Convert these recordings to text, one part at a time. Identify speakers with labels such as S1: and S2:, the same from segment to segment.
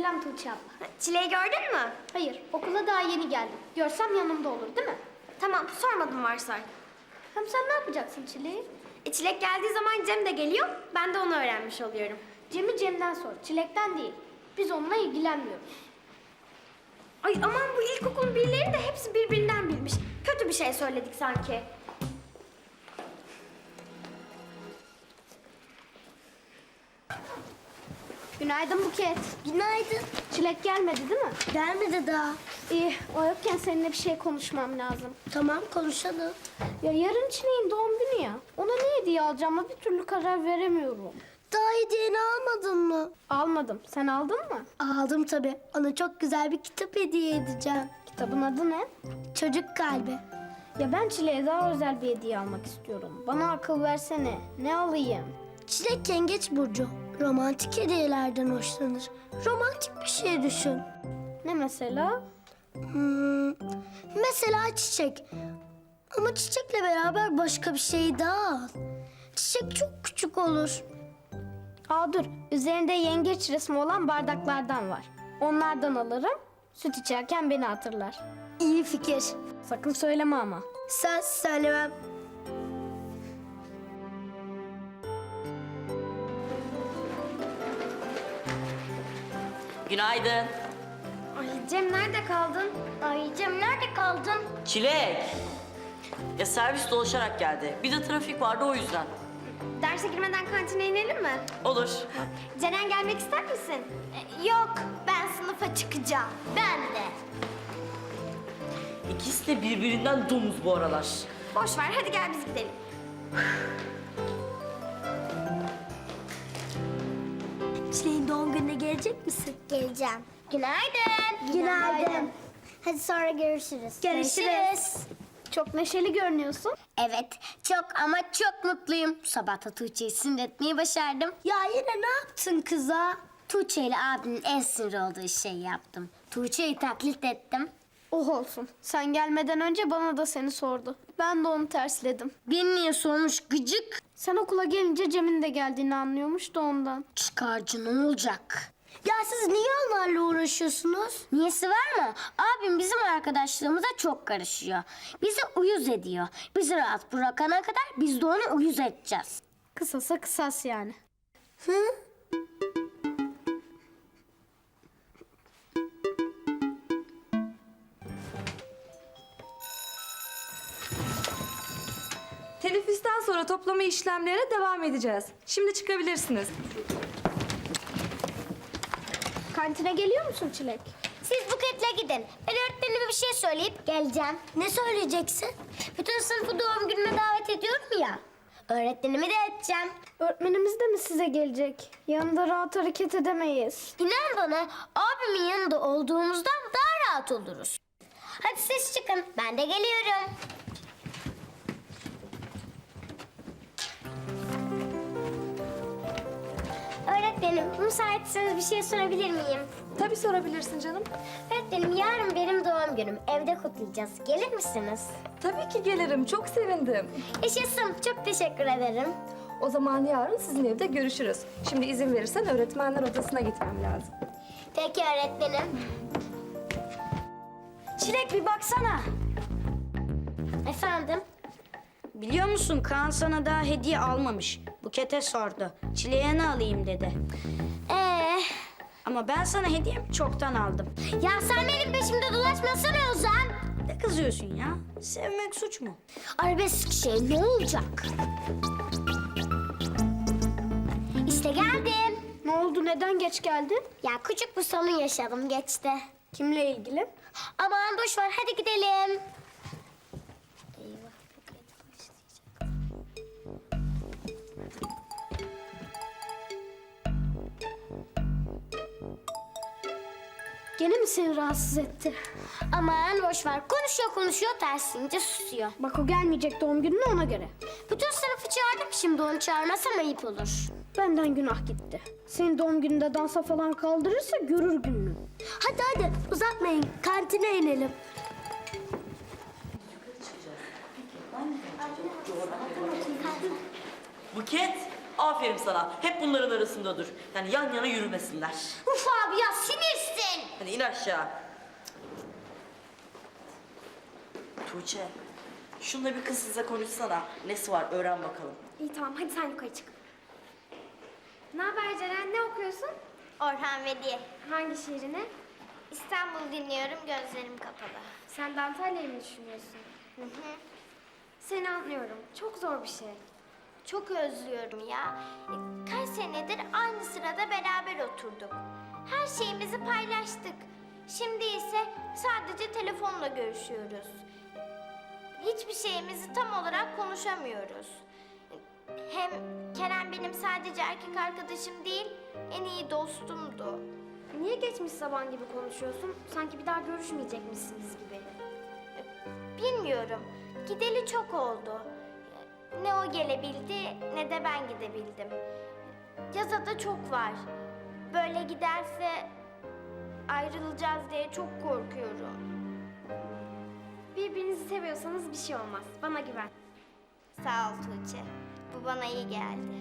S1: Selam Tuğçe abla.
S2: Çileği gördün mü?
S1: Hayır, okula daha yeni geldim. Görsem yanımda olur değil mi?
S2: Tamam, sormadım varsay.
S1: Hem sen ne yapacaksın Çilek'i?
S2: Çilek geldiği zaman Cem de geliyor. Ben de onu öğrenmiş oluyorum.
S1: Cem'i Cem'den sor, Çilek'ten değil. Biz onunla ilgilenmiyoruz.
S2: Ay aman bu ilkokul birileri de hepsi birbirinden bilmiş. Kötü bir şey söyledik sanki.
S1: Günaydın Buket.
S2: Günaydın.
S1: Çilek gelmedi değil mi?
S2: Gelmedi daha.
S1: İyi, o yokken seninle bir şey konuşmam lazım.
S2: Tamam konuşalım.
S1: Ya yarın Çilek'in doğum günü ya. Ona ne hediye alacağıma bir türlü karar veremiyorum.
S2: Daha hediyeni almadın mı?
S1: Almadım. Sen aldın mı?
S2: Aldım tabii. Ona çok güzel bir kitap hediye edeceğim.
S1: Kitabın adı ne?
S2: Çocuk kalbi.
S1: Ya ben Çilek'e daha özel bir hediye almak istiyorum. Bana akıl versene. Ne alayım?
S2: Çilek yengeç burcu. Romantik hediyelerden hoşlanır. Romantik bir şey düşün.
S1: Ne mesela?
S2: Mesela çiçek. Ama çiçekle beraber başka bir şey daha al. Çiçek çok küçük olur.
S1: Aa dur. Üzerinde yengeç resmi olan bardaklardan var. Onlardan alırım. Süt içerken beni hatırlar.
S2: İyi fikir.
S1: Sakın söyleme ama.
S2: Söz söylemem.
S3: Günaydın.
S2: Ay Cem nerede kaldın? Ay Cem nerede kaldın?
S3: Çilek. Ya servis dolaşarak geldi. Bir de trafik vardı o yüzden.
S2: Derse girmeden kantine inelim mi?
S3: Olur.
S2: Ceren gelmek ister misin? Yok, ben sınıfa çıkacağım. Ben de.
S3: İkisi de birbirinden domuz bu aralar.
S2: Boş ver, hadi gel biz gidelim. Çileğin doğum gününe gelecek misin?
S4: Geleceğim. Günaydın.
S2: Günaydın.
S4: Hadi sonra görüşürüz.
S2: Görüşürüz.
S1: Çok neşeli görünüyorsun.
S4: Evet, çok ama çok mutluyum. Sabah da Tuğçe'yi sinir etmeyi başardım.
S2: Ya yine ne yaptın kıza?
S4: Tuğçe ile abimin en sinir olduğu şeyi yaptım. Tuğçe'yi taklit ettim.
S1: Oh olsun. Sen gelmeden önce bana da seni sordu. Ben de onu tersledim.
S4: Beni niye sormuş gıcık?
S1: Sen okula gelince Cem'in de geldiğini anlıyormuş da ondan.
S4: Çıkarcı ne olacak?
S2: Ya siz niye onlarla uğraşıyorsunuz?
S4: Niyesi var mı? Abim bizim arkadaşlığımıza çok karışıyor. Bizi uyuz ediyor. Bizi rahat bırakana kadar biz de onu uyuz edeceğiz.
S1: Kısasa kısas yani.
S5: Teneffüsten sonra toplama işlemlerine devam edeceğiz. Şimdi çıkabilirsiniz.
S1: Kantine geliyor musun Çilek?
S4: Siz Buket'le gidin. Ben öğretmenime bir şey söyleyip geleceğim.
S2: Ne söyleyeceksin?
S4: Bütün sınıfı doğum günüme davet ediyorum ya. Öğretmenimi de edeceğim.
S1: Öğretmenimiz de mi size gelecek? Yanında rahat hareket edemeyiz.
S4: İnan bana abimin yanında olduğumuzdan daha rahat oluruz. Hadi siz çıkın. Ben de geliyorum. Öğretmenim, müsaitseniz bir şey sorabilir miyim?
S5: Tabii sorabilirsin canım.
S4: Öğretmenim, yarın benim doğum günüm. Evde kutlayacağız. Gelir misiniz?
S5: Tabii ki gelirim. Çok sevindim.
S4: Yaşasın. Çok teşekkür ederim.
S5: O zaman yarın sizin evde görüşürüz. Şimdi izin verirsen öğretmenler odasına gitmem lazım.
S4: Peki öğretmenim.
S6: Çilek bir baksana.
S4: Efendim?
S6: Biliyor musun Kaan sana daha hediye almamış. Buket'e sordu. Çileğe ne alayım dedi. Ama ben sana hediyemi çoktan aldım.
S4: Ya sen benim peşimde dolaşmasana Ozan.
S6: Ne kızıyorsun ya? Sevmek suç mu?
S4: Arabesk şey ne olacak? İşte geldim.
S1: Ne oldu? Neden geç geldin?
S4: Ya küçük bir sorun yaşadım geçti.
S1: Kimle ilgili?
S4: Aman boş ver hadi gidelim.
S1: Gene mi seni rahatsız etti?
S4: Aman boş ver konuşuyor tersince susuyor.
S1: Bak o gelmeyecek doğum gününe ona göre.
S4: Bütün sınıfı çağırdım şimdi onu çağırmasam ayıp olur.
S1: Benden günah gitti. Senin doğum gününde dansa falan kaldırırsa görür gününü.
S2: Hadi uzatmayın. Kantine inelim.
S3: Buket. Aferin sana. Hep bunların arasında dur. Yani yan yana yürümesinler.
S4: Uf abi ya sinirsin.
S3: Hadi in aşağı. Tuğçe, şununla bir kızsızla konuşsana. Nesi var öğren bakalım.
S1: İyi tamam hadi sen yukarı çık. Ne haber Ceren? Ne okuyorsun?
S2: Orhan Veli.
S1: Hangi şiirini?
S2: İstanbul dinliyorum, gözlerim kapalı.
S1: Sen de Antalya'yı mı düşünüyorsun?
S2: Hı hı.
S1: Seni anlıyorum. Çok zor bir şey.
S2: Çok özlüyorum ya. Kaç senedir aynı sırada beraber oturduk. Her şeyimizi paylaştık. Şimdi ise sadece telefonla görüşüyoruz. Hiçbir şeyimizi tam olarak konuşamıyoruz. Hem Kerem benim sadece erkek arkadaşım değil, en iyi dostumdu.
S1: Niye geçmiş zaman gibi konuşuyorsun? Sanki bir daha görüşmeyecekmişsiniz gibi.
S2: Bilmiyorum. Gideli çok oldu. Ne o gelebildi ne de ben gidebildim. Yaza da çok var. Böyle giderse ayrılacağız diye çok korkuyorum.
S1: Birbirinizi seviyorsanız bir şey olmaz. Bana güven.
S2: Sağ ol Tuğçe. Bu bana iyi geldi.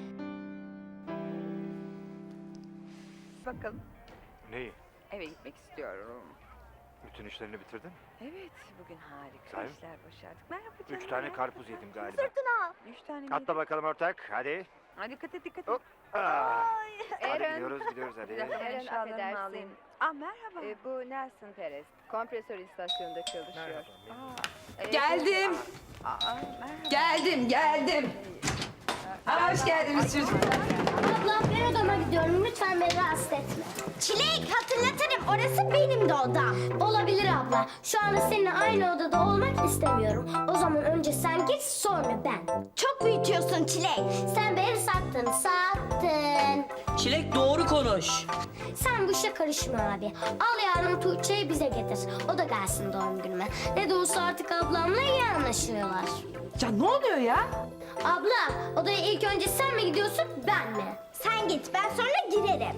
S7: Bakalım.
S8: Neyi?
S7: Eve gitmek istiyorum.
S8: Bütün işlerini bitirdin?
S7: Evet, bugün harika
S8: Sahi mi?
S7: işler başardık. Merhaba canım.
S8: 3 tane karpuz yedim galiba.
S7: 3 tane mi?
S8: Atla bakalım ortak, hadi.
S7: Ha, dikkat et, dikkat et.
S8: Hop. Hadi
S7: Eren.
S8: gidiyoruz hadi.
S7: Eren, eşyalarımı
S9: affedersin.
S7: alayım. Merhaba.
S9: Bu Nelson Perez. Kompresör istasyonunda çalışıyor.
S7: Geldim. Merhaba. Geldim. Hoş geldiniz çocuklar.
S4: Abla ben odama gidiyorum. Lütfen beni rahatsız etme.
S2: Çilek hatırlatırım. Orası benim de odam.
S4: Olabilir abla. Şu anda seninle aynı odada olmak istemiyorum. O zaman önce sen git sonra ben.
S2: Çok büyütüyorsun Çilek.
S4: Sen beni sattın.
S3: Çilek doğru konuş.
S4: Sen bu işe karışma abi. Al yarın Tuğçe'yi bize getir. O da gelsin doğum günüme. Ne de olsa artık ablamla iyi anlaşıyorlar.
S7: Ya ne oluyor ya?
S4: Abla odaya ilk önce sen mi gidiyorsun ben mi?
S2: Sen git, ben sonra girerim.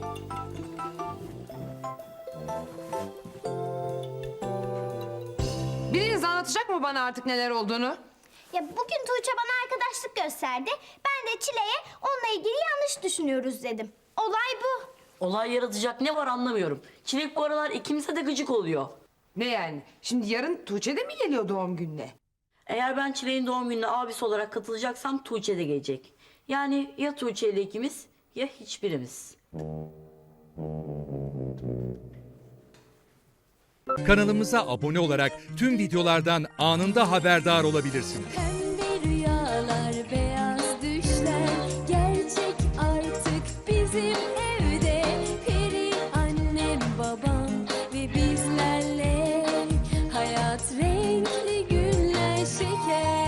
S7: Biriniz anlatacak mı bana artık neler olduğunu?
S2: Ya bugün Tuğçe bana arkadaşlık gösterdi. Ben de Çile'ye onunla ilgili yanlış düşünüyoruz dedim. Olay bu.
S3: Olay yaratacak ne var anlamıyorum. Çilek bu aralar ikimize de gıcık oluyor.
S10: Ne yani? Şimdi yarın Tuğçe de mi geliyor doğum gününe?
S3: Eğer ben Çilek'in doğum gününe abisi olarak katılacaksam Tuğçe de gelecek. Yani ya Tuğçe ile ikimiz ya hiçbirimiz.
S11: Kanalımıza abone olarak tüm videolardan anında haberdar olabilirsiniz.
S12: Pembe rüyalar, beyaz düşler gerçek artık bizim evde. Peri annem, babam ve bizlerle hayat renkli günler şeker.